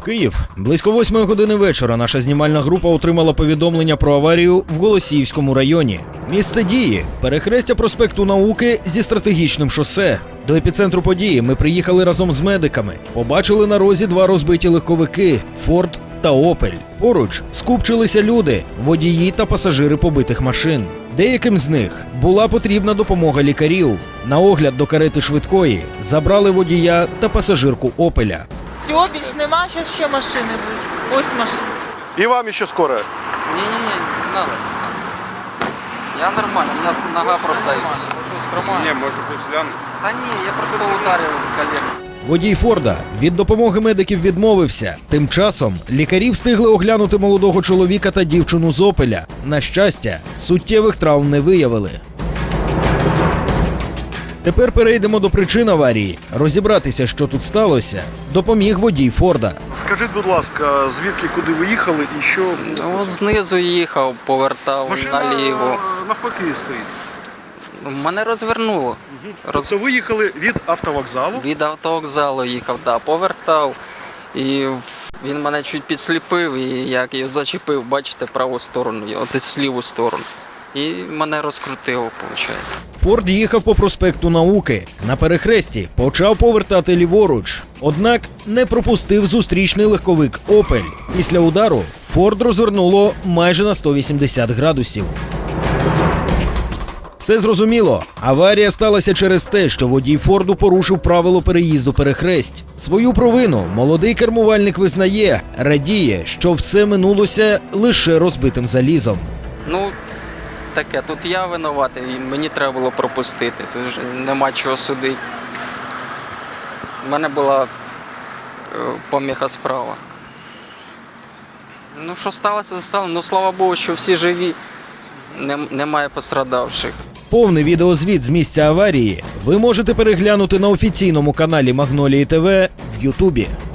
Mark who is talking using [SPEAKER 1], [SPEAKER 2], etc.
[SPEAKER 1] Київ. Близько 8 години вечора наша знімальна група отримала повідомлення про аварію в Голосіївському районі. Місце дії – перехрестя проспекту Науки зі стратегічним шосе. До епіцентру події ми приїхали разом з медиками. Побачили на розі два розбиті легковики – «Форд» та «Опель». Поруч скупчилися люди, водії та пасажири побитих машин. Деяким з них була потрібна допомога лікарів. На огляд до карети швидкої забрали водія та пасажирку «Опеля».
[SPEAKER 2] Все, більш нема, зараз ще машини будуть. Ось машини.
[SPEAKER 3] И вам еще скоро?
[SPEAKER 4] Не-не-не, не надо. Я нормально, у меня нога просто есть.
[SPEAKER 3] Не, может быть, глянуть.
[SPEAKER 4] Да не, я просто ударил колено.
[SPEAKER 1] Водій «Форда» від допомоги медиків відмовився. Тим часом лікарі встигли оглянути молодого чоловіка та дівчину з «Опеля». На щастя, суттєвих травм не виявили. Тепер перейдемо до причин аварії. Розібратися, що тут сталося, допоміг водій «Форда».
[SPEAKER 3] Скажіть, будь ласка, звідки, куди ви їхали і що?
[SPEAKER 4] Ну, знизу їхав, повертав наліво.
[SPEAKER 3] навпаки стоїть.
[SPEAKER 4] Мене розвернуло.
[SPEAKER 3] Тобто ви їхали від автовокзалу?
[SPEAKER 4] Від автовокзалу їхав, да, повертав. І він мене чуть підсліпив, і як його зачепив, бачите, праву сторону, от ліву сторону. І мене розкрутило, виходить.
[SPEAKER 1] «Форд» їхав по проспекту Науки. На перехресті почав повертати ліворуч. Однак не пропустив зустрічний легковик «Опель». Після удару «Форд» розвернуло майже на 180 градусів. Все зрозуміло. Аварія сталася через те, що водій «Форду» порушив правило переїзду перехресть. Свою провину молодий кермувальник визнає, радіє, що все минулося лише розбитим залізом.
[SPEAKER 4] Ну, таке, тут я винуватий, і мені треба було пропустити, тут вже нема чого судити. У мене була поміха справа. Ну, що сталося, то сталося. Ну, слава Богу, що всі живі, немає пострадавших.
[SPEAKER 1] Повний відеозвіт з місця аварії ви можете переглянути на офіційному каналі Магнолії ТВ в Ютубі.